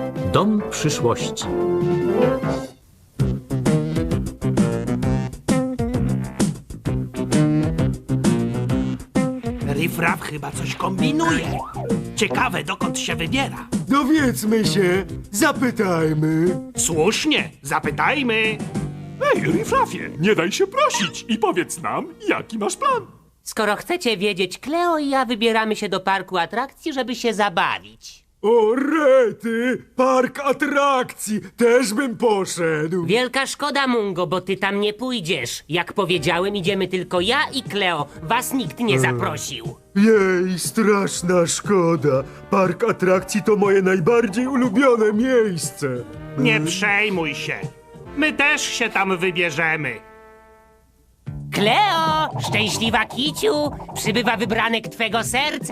Dom przyszłości. Rifraf chyba coś kombinuje. Ciekawe, dokąd się wybiera. Dowiedzmy się, zapytajmy. Słusznie, zapytajmy. Ej, Rifrafie, nie daj się prosić i powiedz nam, jaki masz plan. Skoro chcecie wiedzieć, Kleo i ja wybieramy się do parku atrakcji, żeby się zabawić. O rety, park atrakcji, też bym poszedł. Wielka szkoda, Mungo, bo ty tam nie pójdziesz. Jak powiedziałem, idziemy tylko ja i Kleo. Was nikt nie zaprosił. Jej, straszna szkoda. Park atrakcji to moje najbardziej ulubione miejsce. Nie przejmuj się. My też się tam wybierzemy. Kleo, szczęśliwa kiciu, przybywa wybranek twego serca.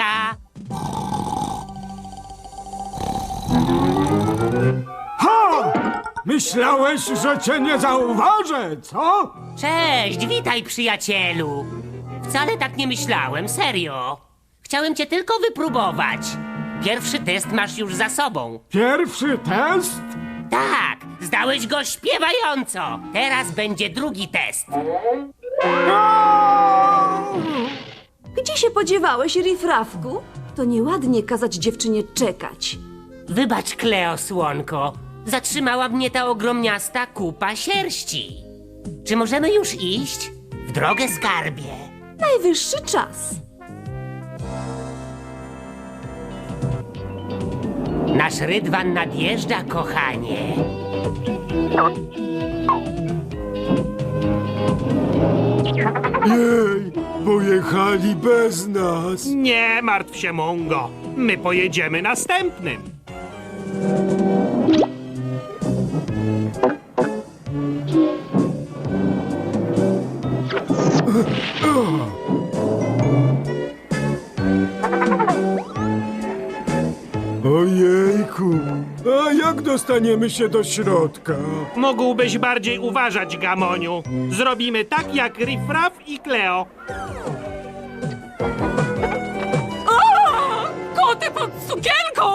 Myślałeś, że cię nie zauważę, co? Cześć, witaj, przyjacielu. Wcale tak nie myślałem, serio. Chciałem cię tylko wypróbować. Pierwszy test masz już za sobą. Pierwszy test? Tak, zdałeś go śpiewająco. Teraz będzie drugi test. Gdzie się podziewałeś, Rifrafku? To nieładnie kazać dziewczynie czekać. Wybacz, Kleo, słonko. Zatrzymała mnie ta ogromniasta kupa sierści. Czy możemy już iść? W drogę, skarbie. Najwyższy czas. Nasz rydwan nadjeżdża, kochanie. Jej, pojechali bez nas. Nie martw się, Mungo. My pojedziemy następnym. Ojejku, a jak dostaniemy się do środka? Mógłbyś bardziej uważać, Gamoniu. Zrobimy tak jak Rifraf i Kleo. Koty pod sukienką!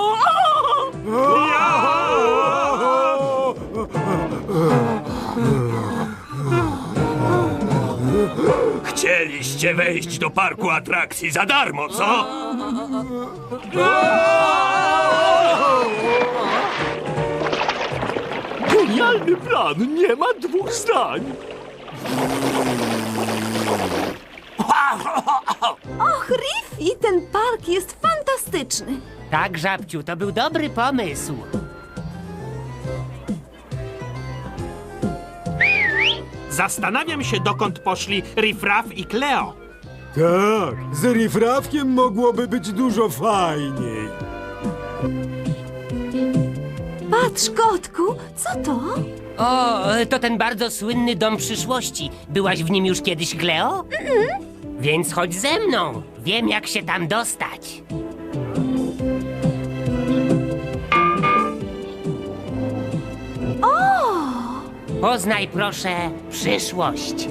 Chcieliście wejść do parku atrakcji za darmo, co? Genialny plan, nie ma dwóch zdań. Och, Riffy, ten park jest fantastyczny. Tak, żabciu, to był dobry pomysł. Zastanawiam się, dokąd poszli Rifraf i Kleo. Tak, z Rifrafkiem mogłoby być dużo fajniej. Patrz, kotku, co to? O, to ten bardzo słynny dom przyszłości. Byłaś w nim już kiedyś, Kleo? Więc chodź ze mną. Wiem, jak się tam dostać. Poznaj, proszę, przyszłość.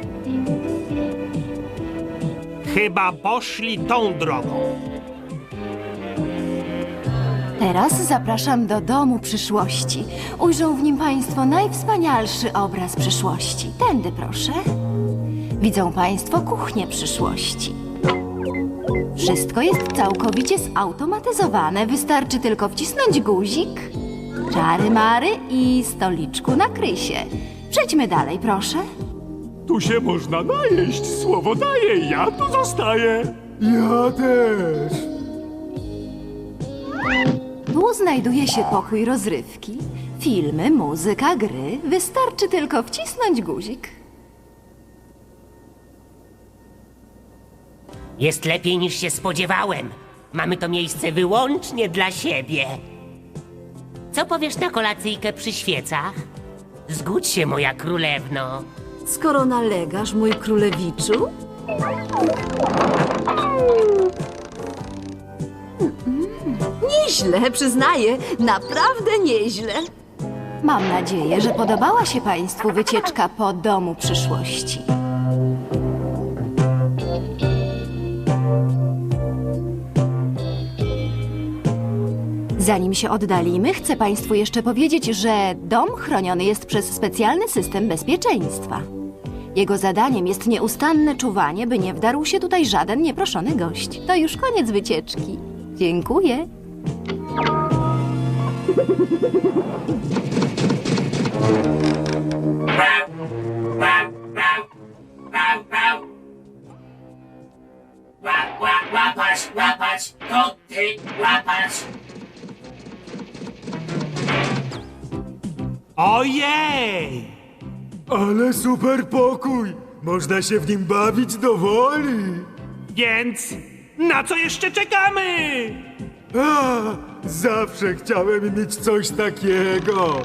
Chyba poszli tą drogą. Teraz zapraszam do domu przyszłości. Ujrzą w nim Państwo najwspanialszy obraz przyszłości. Tędy proszę. Widzą Państwo kuchnię przyszłości. Wszystko jest całkowicie zautomatyzowane. Wystarczy tylko wcisnąć guzik, czary mary i stoliczku nakryj się. Przejdźmy dalej, proszę. Tu się można najeść, słowo daję, ja tu zostaję. Ja też. Tu znajduje się pokój rozrywki, filmy, muzyka, gry. Wystarczy tylko wcisnąć guzik. Jest lepiej niż się spodziewałem. Mamy to miejsce wyłącznie dla siebie. Co powiesz na kolacyjkę przy świecach? Zgódź się, moja królewno. Skoro nalegasz, mój królewiczu. Nieźle, przyznaję, naprawdę nieźle. Mam nadzieję, że podobała się Państwu wycieczka po domu przyszłości. Zanim się oddalimy, chcę Państwu jeszcze powiedzieć, że dom chroniony jest przez specjalny system bezpieczeństwa. Jego zadaniem jest nieustanne czuwanie, by nie wdarł się tutaj żaden nieproszony gość. To już koniec wycieczki. Dziękuję. Łapać, koty, łapać. Ojej! Ale super pokój! Można się w nim bawić do woli! Więc na co jeszcze czekamy? A, zawsze chciałem mieć coś takiego!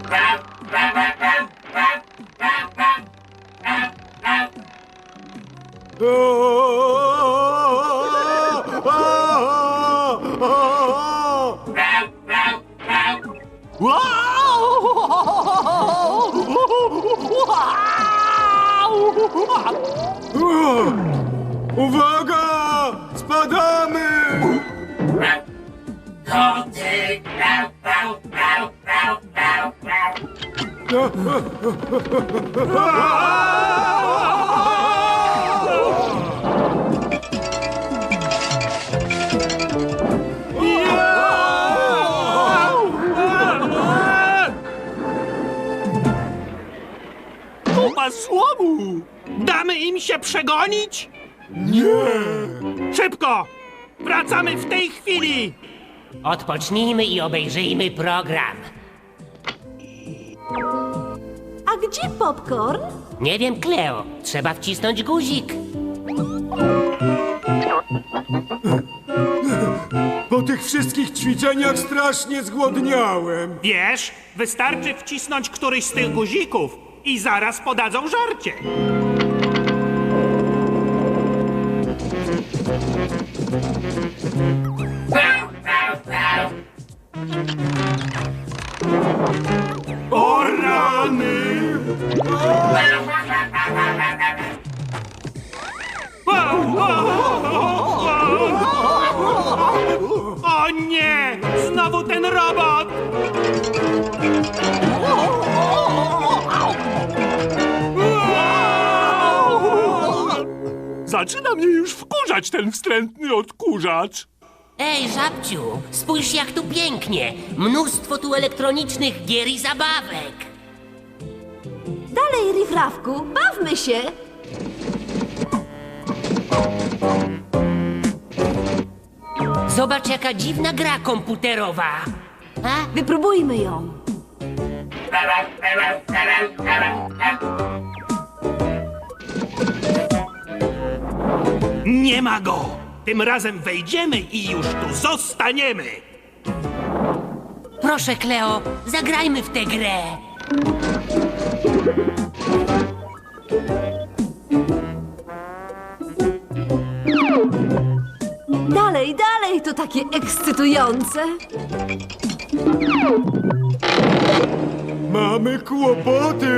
Uwaga! Spadamy! Koty, Kupa słomu! Damy im się przegonić? Nie! Szybko! Wracamy w tej chwili! Odpocznijmy i obejrzyjmy program. A gdzie popcorn? Nie wiem, Cleo. Trzeba wcisnąć guzik. Po tych wszystkich ćwiczeniach strasznie zgłodniałem. Wiesz, wystarczy wcisnąć któryś z tych guzików i zaraz podadzą żarcie. O rany! O nie! Znowu ten robot! Zaczyna mnie już wkurzać ten wstrętny odkurzacz. Ej, żabciu, spójrz jak tu pięknie. Mnóstwo tu elektronicznych gier i zabawek. Dalej, Rifrafku, bawmy się! Zobacz jaka dziwna gra komputerowa. A? Wypróbujmy ją. Nie ma go! Tym razem wejdziemy i już tu zostaniemy! Proszę, Cleo, zagrajmy w tę grę. Dalej, dalej, to takie ekscytujące. Mamy kłopoty!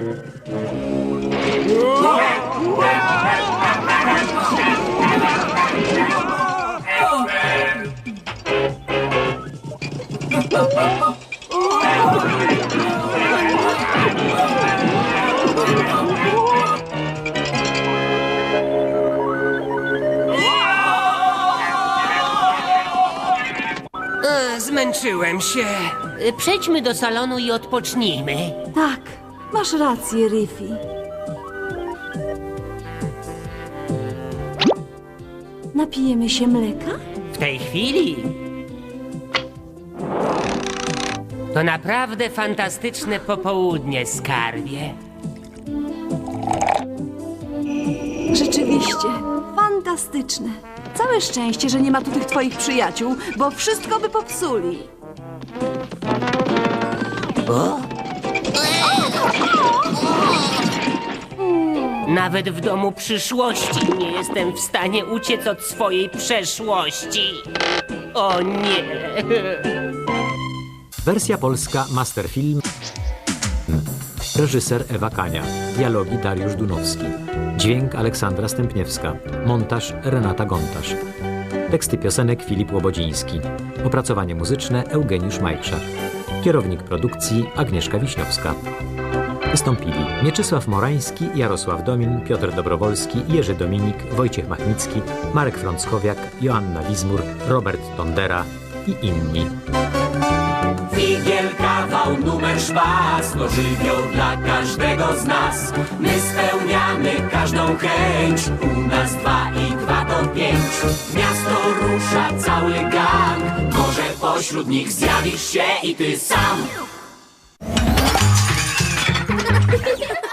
Zmęczyłem się. Przejdźmy do salonu i odpocznijmy. Tak, masz rację, Riffy. Napijemy się mleka? W tej chwili. To naprawdę fantastyczne popołudnie, skarbie. Rzeczywiście, fantastyczne. Całe szczęście, że nie ma tu tych twoich przyjaciół, bo wszystko by popsuli. Nawet w domu przyszłości nie jestem w stanie uciec od swojej przeszłości. O nie! Wersja polska Masterfilm. Reżyser Ewa Kania. Dialogi Dariusz Dunowski. Dźwięk Aleksandra Stępniewska. Montaż Renata Gontarz. Teksty piosenek Filip Łobodziński. Opracowanie muzyczne Eugeniusz Majchrzak. Kierownik produkcji Agnieszka Wiśniowska. Wystąpili Mieczysław Morański, Jarosław Domin, Piotr Dobrowolski, Jerzy Dominik, Wojciech Machnicki, Marek Frąckowiak, Joanna Wizmur, Robert Tondera i inni. Figiel, kawał, numer, szpas, to żywioł dla każdego z nas. My spełniamy każdą chęć, u nas 2 i 2 to 5. W miasto rusza cały gang, może pośród nich zjawisz się i ty sam.